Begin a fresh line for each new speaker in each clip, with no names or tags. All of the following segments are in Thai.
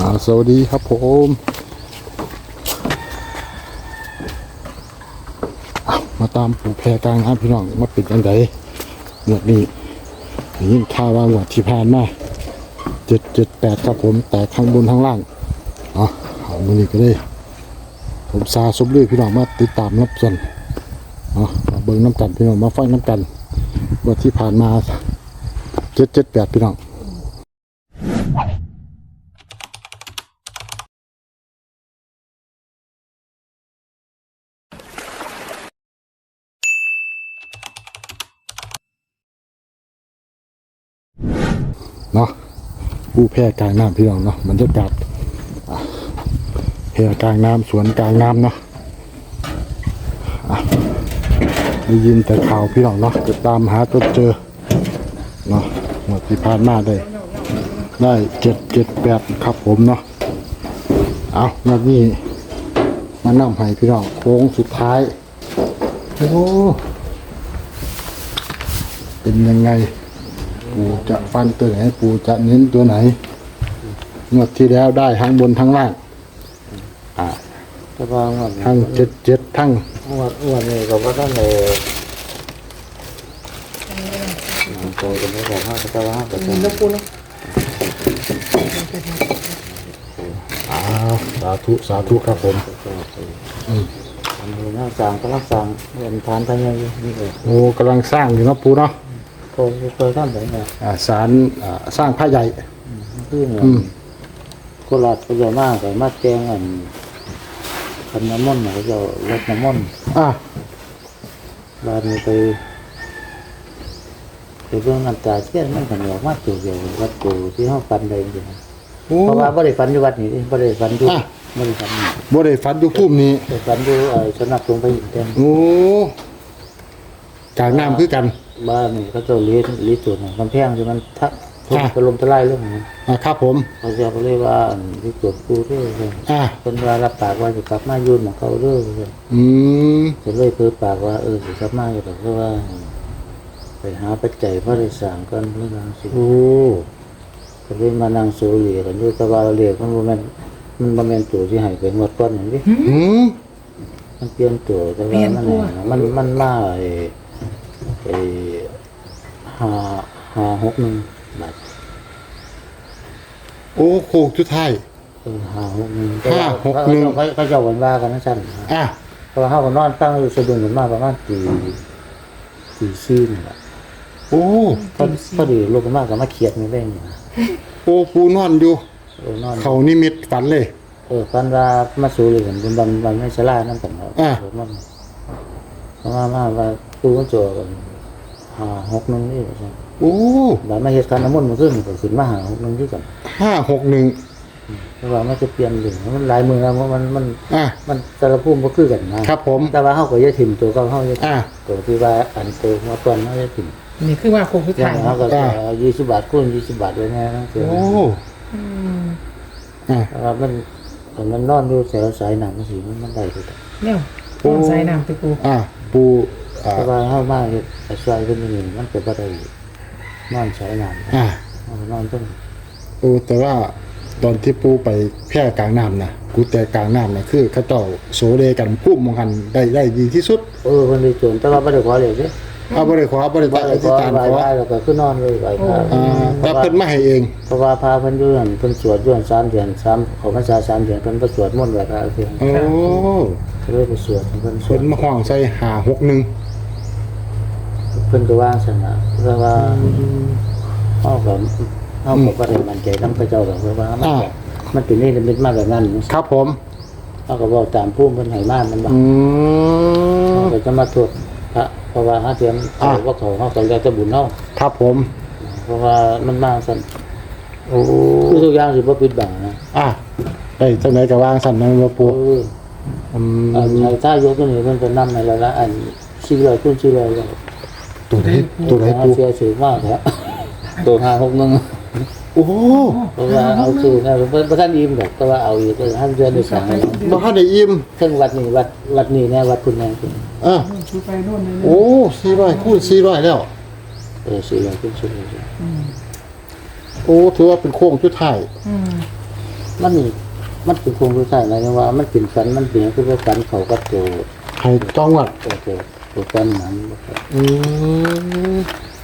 สวัสดีครับผมมาตามผู้แพร่กลางน้ำพี่น้องมาปิดยังไงหมวดนี้ยินข่าวว่าหมวดที่ผ่านมา778ครับผมแต่ข้างบนข้างล่างเอามือนี้ก็ได้ผมซาสมลือพี่น้องมาติดตามรับส่วนมาเบิ้งน้ำกันพี่น้องมาฟังน้ำกันหมวดที่ผ่านมา778พี่น้องเนาะผู้แพร่กลางน้ำพี่น้องเนาะบรรยากาศแพร่กลางน้ำสวนกลางน้ำเนาะได้ยินแต่ข่าวพี่น้องเนาะจะตามหาจนเจอเนาะหมดที่ผ่านมาได้778ครับผมเนาะเอาแล้วนี่มานำให้พี่น้องโค้งสุดท้ายโอ้เป็นยังไงปูจะฟันตัวไหนปูจะเน้นตัวไหนงวดที่แล้วได้ทั้งบนทั้งล่างทั้ง77ทั้ง
วันนี้ก็ว่าท่านเลยโตจะไม่บอก5%แต่ว่า5%
แล้วปูเนาะ
สาธุครับผม
ทำดูน่าสั่งก็รักสั่งเงินทานทางยังนี่เลย
โอ้กำลังสร้างอยู่เนาะปูเนาะ
เคยทำแบบนี้
ศาลสร้างผ้าใหญ่
คือเหมือนโคราชก็จะมากแต่มาแจ้งคันน้ำมันเขาจะลดน้ำมันบ้านนี้ไปเรื่องน้ำตาเชี่ยมันขนมมากจุดเดียววัดกูที่ห้องฟันเลยจริงเพราะว่าบ่ได้ฟันอยู่วัดนี้บ่ได้ฟันอยู่บ่ได้ฟัน
อยู่ภูมินี้
ฟันอยู่สนับลงไปอีกเต็ม
โอ้กลางน้ำคือกัน
บ้านนี่เขาจะเลี้ยจุดกำแพงที่มันทับถล่มทลายเรื่องนี้
ครับผม
เขาจะเรียกว่าที่จุดกูเรื่องเป็นว่ารับปากว่าจะกลับมายืนของเขาเรื่องจะเลยเพื่อปากว่าจะกลับมาอยู่แต่เพราะว่าไปหาปัจจัยพระราชสั่งกันเรื่องสิก็เลยมานั่งโซเลียกันด้วยแต่ว่าเรียกมันบ่แม่นตัวที่หายไปหมดก้อนอย่างนี้มันเปลี่ยนตัวแต่ว่ามันมา561 บาท
โอ้โคกจุดไทย
561เขาเจ้าวันว่ากันนะสั้นเพราะเขาก็นอนตั้งอยู่สะดุ้งกันมากประมาณตี4นี่แหละ
โอ้
พอดีลงกันมากกับมาเขียดนี่เล่น
โอ้ปูนอนอยู่เขานิมิตฝันเลย
ฝันว่ามาสู่เลยกันบันไม่ชรานั่นกันมาว่าปูก็โจกัน561นี่ใช่
โอ้
บันมาเหตุการณ์น้ำมันต์มันขึ้นก็ขึ้นมา561ที่กัน
561
เพราะว่ามันจะเปลี่ยนหนึ่งมันหลายมือแล้วมันสารภูมิก็คือกัน
นะครับผม
แต่ว่าเขาก็จะถิ่มตัวเขาจะตัวที่ว่าอันตัวมาตอนเขาจะถิ่ม
นี่คือว่าโคงคือถ่าย
เขาก็20 บาทคูณ20 บาทเลยนะนั่นคือ
โอ้
มันนอนดูแถวสายหนังสีมันได้เลย
เนี่ยปูสายน้ำปู
ปู
แต่ว่าเข้ามากเลยสายเป็นอย่างนี้มันเป็นอะไรนอนสายหนังนอนต้น
แต่ว่าตอนที่ปูไปแพร่กลางน้ำนะกูแต่กลางน้ำนะคือเขาเจ้าโสเดกันพุ่มมองกันได้ดีที่สุด
คนดีจนแต่ว่าไม่ได้ขอเลยสิ
ไม่ได้ขอไม่ได้อธิษฐานขอ
แล้วก็คือนอนเลยไป
แต่เพิ่นไม่ให้เอง
เพราะว่าพาเพิ่นยื่นเพิ่นสวดยื่น3 เดือน3ของพรรษา3 เดือนเพิ่นไปสวดมนต์ไหว้พระเพิ่นเลยไปสวดเพิ่น
มาห้องใส่561
เพิ่นก็วางซั่นน่ะเพราะว่าเฮาก็บ่ได้มั่นใจนำพระเจ้าดอกเพราะว่ามันเป็นนี่เป็นมาแบบนั้น
ครับผม
เฮาก็บอกตามภูมิเพิ่นให้มามันบ่ก็จะมาตรวจพระเพราะว่าหาเทียมว่าเขาก็แล้วแต่บุญเฮา
ครับผม
เพราะว่ามันมาซั่นคือทุกอย่างสิบ่ปิดบังนะ
ได้จังได๋ก็วางซั่นนะบ่ปู่
ใช้ท่ายกตัวนี้มันเป็นนำในละอัน400คูณ400แล้ว
ตัวไหนปู่
เสียสูงมากแท้ตัว561
โอ้
เพราะว่าเอาชื่อนะบ่ทันอิ่มดอกแต่ว่าเอาอยู่ก็ท่านเดือนได้สั่ง
บ่ทันได้อิ่ม
ซึ่งวัดนี้แน่วัดคุณแม่คุณ
โอ้400คูณ400แล้ว
400คูณ400
โอ้ถือว่าเป็นโค้งสุดท้าย
มันเป็นคงรู้ใช่ไหมว่ามันเป็นฝันมันเป็นคือว่าฝันเขาก็โต
ให้ต้องวัด
ตัวกันนั้น
อืม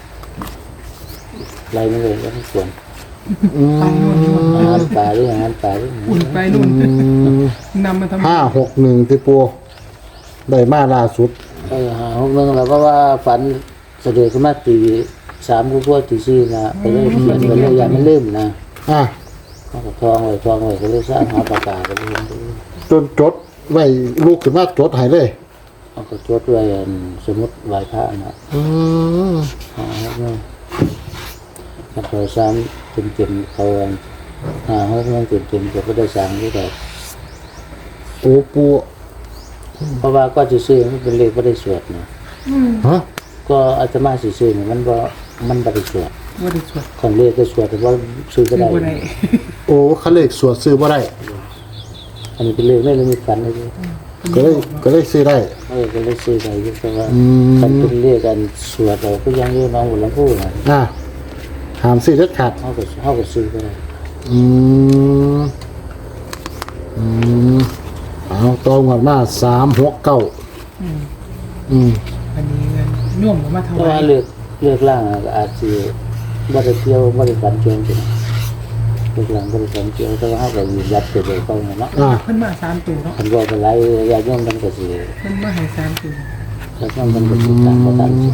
ไรไม่เลยก็ไม่ควร
อืม
อาหารป่าหรืออาหารป่าหรือ
อุ่นไปนู่นนำมาทำ
561ที่ปูได้มาล่าสุด
หา6 1แล้วเพราะว่าฝันเสด็จขึ้นมาตี3กูตี4นะไปเลยเขียนไปเลยอย่ามันลืมนะ
อ่ะ
เขาก็ทองไว้ก็เลยสร้างหาปากกาไปเลย
จนจดไว้ลูกขึ้นมาจดให้เลย
เขาก็จดไว้สมมติไหว้พระนะ
อืม
หา6 1ถ้าเขา3เต็มเขาหา6 1เต็มก็ได้สร้างด้วยกัน
โอ้ปู
เพราะว่าก็จะซื้อมันเป็นเลขไม่ได้สวดนะ
ฮะ
ก็อาตมาสิซื้อเนี่ยมันบ่ได้สวด
ว่าได้สวด
ของเลขก็สวดแต่ว่าซื้อก็
ซื้อ
ได้
บ่ได้
โอ้เขาเลขสวดซื้อบ่ได้
อันนี้เป็นเลขไม่ได้มีฝันเลย
ก็เลยซื้อได้
ก็เลยซื้อได้อยู่แต่ว่า
อืม
คันเป็นเลขกันสวดเราก็ยังอยู่น้องบุญลำพูนะ
อ่ะหามซื้อเด็ดขาด
เขาก็ซื้อก็ได้
อืมอืมเอาตองวัดมา369อืม
อันนี้เงินโย่มมาถ
เพราะ
วา
ว่ายเลือกล่างก็อาจจะบ่ได้เที่ยวบ่ได้ฝันเกี่ยวจริงเลือกล่างบ่ได้ฝันเกี่ยวแต่ว่าเขาก็ยืนยัดไปเลยเขาเนาะ
อ่ะ
เพิ่นมา3ตัวเนาะ
คันบ่เป็นไรญาติโยมมันก็สิ
เพิ่นมาให้3ตัว
แล้วก็มันก็สิตามบ่ทันสิ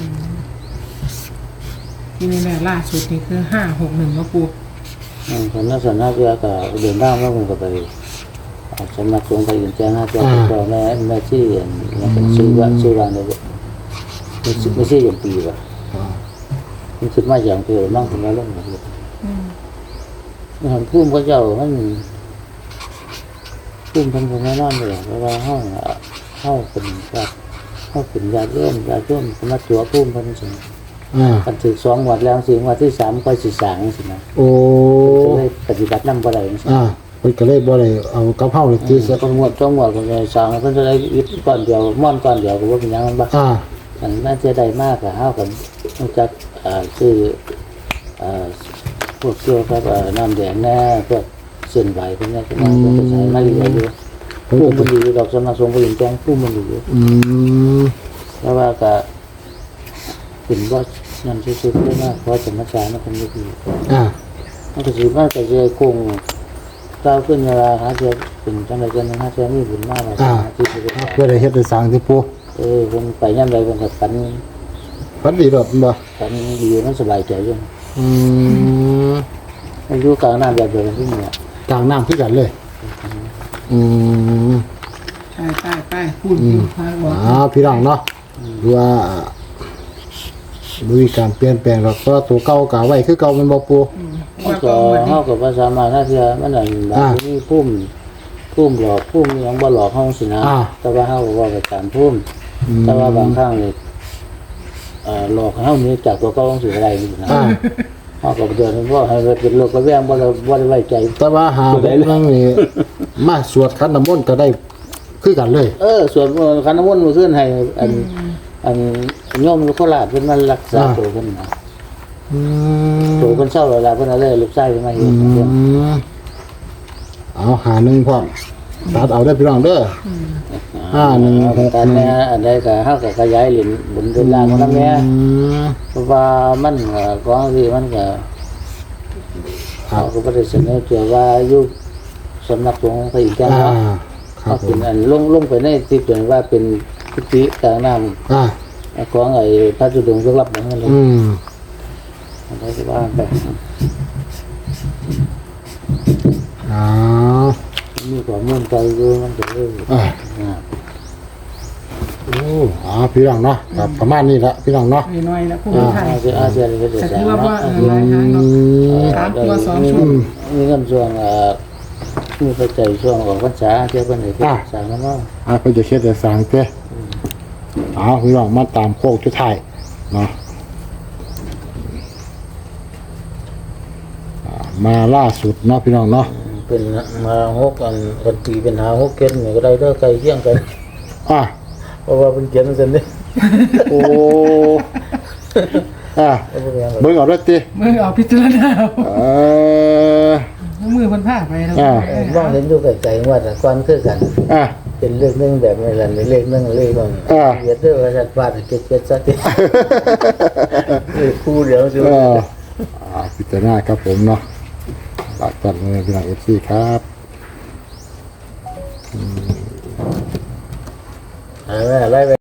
ที่นี่แหละล่าสุดนี่คือ561เนาะปู
คนนักสนาเรือก็เดินทางมาผมก็ไปสำนักสงฆ์ไปอินแจ้ง5เจ้าก็แม่ชื่ออย่างเป็นชื่อว่าเนี่ยไม่ใช่อย่างปีว่ะมันคิดมาอย่างเดียวนั่งถึงมาลงมาเลยมันพุ่มก็เจ้ามันพุ่มพันคนแน่นอนเลยเพราะว่าห้องเป็นแบบห้องเป็นญาติโยมสำนักตัวพุ่มพันสิ่ง
อ่า
กันถึง2 วัดแล้วสิ่งวัดที่3ค่อยสิสางสินะ
โอ้
ก็เลยปฏิบัตินำบ่ได้สิ
อ่าเพิ่นก็เลยบ่ได้เอากับเฮาเลยที่
ต้องงวดก็เลยสางเพิ่นจะได้ยึดก้อนเดียวม่อนก้อนเดียวก็ว่าเป็นหยังมันบ่
อ่า
มันน่าจะได้มากก็เฮากันนอกจากคือพวกเกี่ยวกับน้ำแดงแน่พวกเส้นไหวพวกนี้ก็มาใช้มาเรียนอยู่
เพิ่น
ผู้
ก็
มันดีดอกสำนักสงฆ์ก็ยังแจ้งผู้มันดีอยู่
อืม
แต่ว่าก็เป็นว่านั่นซื่อๆได้มากเพราะสมชานะคนนี้ดี
อ่า
มันก็สิมาแต่จะคงก้าวขึ้นเวลาหาเจอเป็นจังได๋จังหาเจอมีบุญมากที่สิได้
เพื่อได้เฮ็ดได้สร้างที่ปู
ผมไปย่ำใดผมก็ฝัน
ฝันดีดอกบ่
ดีมันสบายใจอยู่
อืม
อายุกลางน้ำแบบเดียวกันที่นี่
กลางน้ำคือกันเลย อืม
ไปพูดอยู่พาบอก
พี่น้องเนาะดูว่ามีการเปลี่ยนแปลงหรอกเพราะว่าตัวเก่าก็ไว้คือเก่ามันบ่ปู
มันก็เฮากับภาษามาถ้าเทียมันอันบางทีพุ่มหลอกพุ่มยังบ่หลอกเฮาสินะแต่ว่าเฮาก็ว่าไปตามพุ่มแต่ว่าบางครั้งนี่หลอกเฮานี่จากตัวเก่าของสิอะไรนี่นะ
อ่า
เฮาก็เดินว่าให้เป็นโลกกระแวงบ่ได้ไว้ใจ
แต่ว่าหาเรื่องนี้มาสวดขันน้ำมนต์ก็ได้คือกันเลย
ส่วนคันน้ำมนต์มื้อคืนให้อันโยมโคราชเพิ่นมารักษาตัวเพิ่นนะ
อืม
ตัวเพิ่นเศร้าเวลาเพิ่นเอาเลยลูกชายเพิ่นมาเฮ็ด
เอาหาหนึ่งพร้อมตัดเอาได้พี่น้องเด้อ516
การแม่อันใดก็เฮาก็ขยายเหรียญบุญเดินล่างของนำแม่เพราะว่ามันของที่มันก็เขาก็บ่ได้เสนอเกี่ยวว่าอยู่สำนักสงฆ์พระอินทร์เจ้าเนาะ
ครับผ
เป็น
ม
อันลงไปในที่เกิดว่าเป็นกุฏิกลางน้ำของไอ้พระจุดงยกรับเหมือนกันเลยอะไรก็ว่าไป
อ๋อ
มีความมุ่งใจอยู่มันจะเลย
โอ้พี่น้องเนาะครับประมาณนี้ละพี่น้องเนาะ
น้อยๆแล้วพูดไทย
อาเซียนก็จะ
แต่
สร้า
คื
ง
อว่า
เนาะ
หลายทางเนาะ 3 ตัว 2 ชุด
มีเงินส่วนมีปัจจัยช่วงของพรรษาเที่ยวเป็นไหนก็สร้างแล้วเนาะ
เพิ่นจะเฮ็ดได้สร้างเด้พี่น้องมาตามโคกสุดท้ายเนาะมาล่าสุดเนาะพี่น้องเนาะ
เป็นมา6กันตีเป็น6เกณฑ์นี่ก็ได้เด้อใกล้เคียงกัน เพราะว่าเป็นเขียนซั่นนี่
โอ้เบิ่งเอาเด้อติ
มือเอาพิจารณา
เออ
มือมันผ้าไปแล้ว
มองเห็นอยู่ไกลๆว่าแต่ก่อนคือกัน
อ่า
เป็นเลขหนึ่งแบบนี้แหละเลขหนึ่งเลขบางเกียรติเด้อว่าจะวาดเกียรติซะทีเลขคู่เดียวสิ
พิจารณาครับผมเนาะฝากกันเลยพี่น้องเอฟซีครับ
ไล่ไป